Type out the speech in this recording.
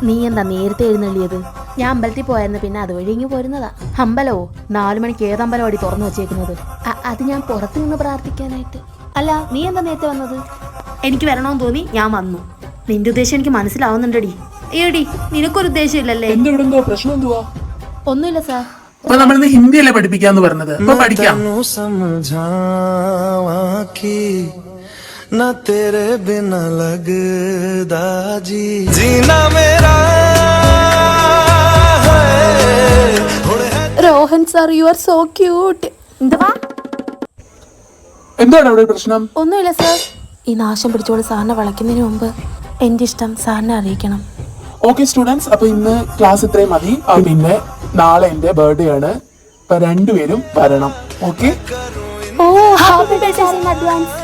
നീ എന്താ നേരത്തെ എഴുന്നള്ളിയത്? ഞാൻ അമ്പലത്തിൽ പോയായിരുന്നു, പിന്നെ അതുവഴി ഇങ്ങ് പോരുന്നതാ. അമ്പലോ? 4 മണിക്ക് ഏത് അമ്പലമാടി തുറന്നു വെച്ചേക്കുന്നത്? അത് ഞാൻ പുറത്തു നിന്ന് പ്രാർത്ഥിക്കാനായിട്ട്. അല്ല, നീ എന്താ നേരത്തെ വന്നത്? എനിക്ക് വരണമെന്ന് തോന്നി, ഞാൻ വന്നു. നിന്റെ ഉദ്ദേശം എനിക്ക് മനസ്സിലാവുന്നുണ്ടടി. ഏടി, നിനക്കൊരു ഉദ്ദേശം ഇല്ലല്ലേ? ഒന്നുമില്ല സാർ. അപ്പൊ നമ്മളിന്ന് ഹിന്ദിയല്ലേ പഠിപ്പിക്കാന്ന് പറഞ്ഞത്? അപ്പൊ പഠിക്കാം. Rohan sir, you are so cute. എന്തുവാ? എന്താണ് അവിടെ പ്രശ്നം? ഒന്നുമില്ല സാർ. ഈ നാശം പിടിച്ചോട് സാറിനെ വിളക്കുന്നതിന് മുമ്പ് എന്റെ ഇഷ്ടം സാറിനെ അറിയിക്കണം. ഓക്കെ സ്റ്റുഡൻസ്, അപ്പൊ ഇന്ന് ക്ലാസ് ഇത്രയും മതി. പിന്നെ നാളെ എന്റെ ബർത്ത്ഡേ ആണ്. അപ്പൊ 2 പേരും വരണം. Okay? Oh, happy birthday in advance.